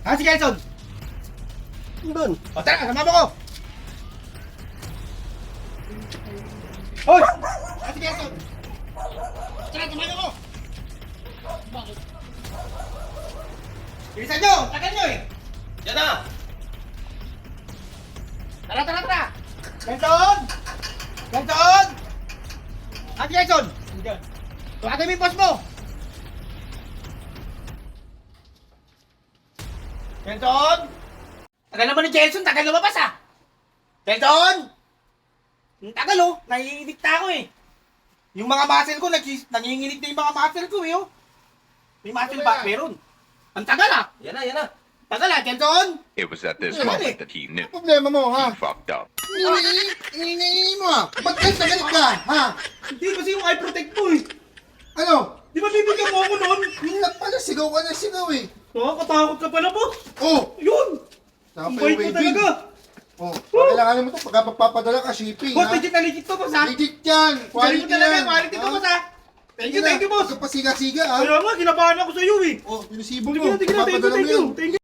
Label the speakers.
Speaker 1: Ah, si Kelson!
Speaker 2: Doon.
Speaker 1: O tara, sama mo ko! Hoy! Ah, si Kelson! Tara, sama mo ko! Bakit? Bilisan nyo! Tagal nyo eh!
Speaker 2: Yan na!
Speaker 1: Tara, tara, tara! Kelson! Kelson! Ah, si Kelson! Tuwagay mo yung boss mo! Kelson! Tagal naman ni Kelson, tagal lumabas ah! Kelson! Ang tagal oh, naiinit na ako eh. Yung mga muscle ko, nanginginig na yung mga muscle ko eh oh. May muscle ba? Meron. Ang tagal ah!
Speaker 2: Yan na, yan na.
Speaker 1: Tagal ah, Kelson!
Speaker 3: It was at this
Speaker 1: Yeah.
Speaker 3: moment that he knew
Speaker 4: Problema mo, ha?
Speaker 3: he fucked up.
Speaker 4: Ingingingin mo, ha? Ba't galit ka, ha?
Speaker 1: Hindi kasi yung eye protect mo eh.
Speaker 4: Ano?
Speaker 1: Di ba bibigyan mo ako noon?
Speaker 4: Yun lang pala, sigaw ka na sigaw, eh.
Speaker 1: Nakakatakot ka pala po.
Speaker 4: Oh!
Speaker 1: Yun!
Speaker 4: Saka
Speaker 1: Ang
Speaker 4: pa
Speaker 1: bait
Speaker 4: yung
Speaker 1: mo
Speaker 4: waving.
Speaker 1: talaga.
Speaker 4: Oh, kailangan mo to pagka magpapadala ka, shipping,
Speaker 1: Boss,
Speaker 4: ha?
Speaker 1: legit to boss ha.
Speaker 4: Legit yan!
Speaker 1: Galing
Speaker 4: Quality
Speaker 1: mo talaga,
Speaker 4: yan!
Speaker 1: quality to
Speaker 4: ha?
Speaker 1: boss ha. Thank you boss.
Speaker 4: Huwag ka pasiga-siga, ha?
Speaker 1: Kaya nga, kinabahan ako sa iyo eh.
Speaker 4: Oh, pinusibo
Speaker 1: Sige
Speaker 4: mo.
Speaker 1: na, thank you.
Speaker 4: Papadala mo yan.
Speaker 1: Thank you.